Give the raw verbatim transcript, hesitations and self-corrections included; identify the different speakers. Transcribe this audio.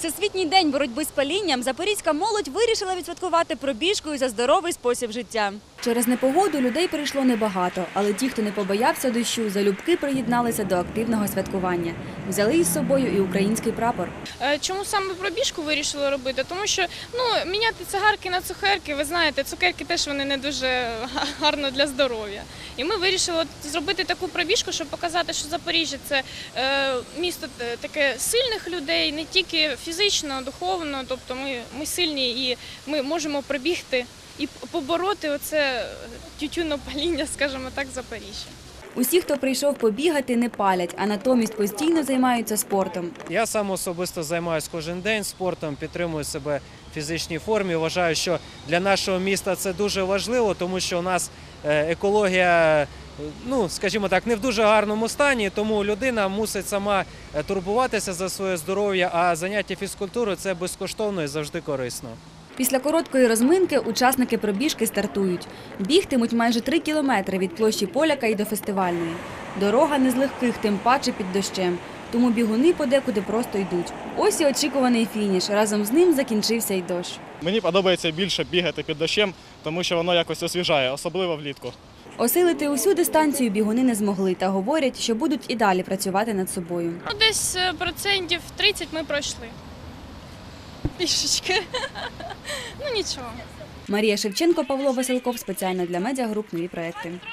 Speaker 1: Всесвітній день боротьби з палінням запорізька молодь вирішила відсвяткувати пробіжкою за здоровий спосіб життя. Через непогоду людей прийшло небагато, але ті, хто не побоявся дощу, залюбки приєдналися до активного святкування. Взяли із собою і український прапор.
Speaker 2: Чому саме пробіжку вирішили робити? Тому що ну, міняти цигарки на цукерки, ви знаєте, цукерки теж вони не дуже гарно для здоров'я. І ми вирішили зробити таку пробіжку, щоб показати, що Запоріжжя – це е, місто таке сильних людей, не тільки фізично, духовно, тобто ми, ми сильні і ми можемо пробігти і побороти оце тютюнопаління, скажімо так, Запоріжжя.
Speaker 1: Усі, хто прийшов побігати, не палять, а натомість постійно займаються спортом.
Speaker 3: Я сам особисто займаюся кожен день спортом, підтримую себе в фізичній формі. Вважаю, що для нашого міста це дуже важливо, тому що у нас екологія, ну, скажімо так, не в дуже гарному стані, тому людина мусить сама турбуватися за своє здоров'я, а заняття фізкультурою – це безкоштовно і завжди корисно.
Speaker 1: Після короткої розминки учасники пробіжки стартують. Бігтимуть майже три кілометри від площі Поляка і до фестивальної. Дорога не з легких, тим паче під дощем. Тому бігуни подекуди просто йдуть. Ось і очікуваний фініш. Разом з ним закінчився й дощ.
Speaker 4: Мені подобається більше бігати під дощем, тому що воно якось освіжає, особливо влітку.
Speaker 1: Осилити усю дистанцію бігуни не змогли та говорять, що будуть і далі працювати над собою.
Speaker 2: Ну, десь процентів тридцять ми пройшли. Пішечки. Ну нічого.
Speaker 1: Марія Шевченко, Павло Василков. Спеціально для медіагруп «Нові проекти».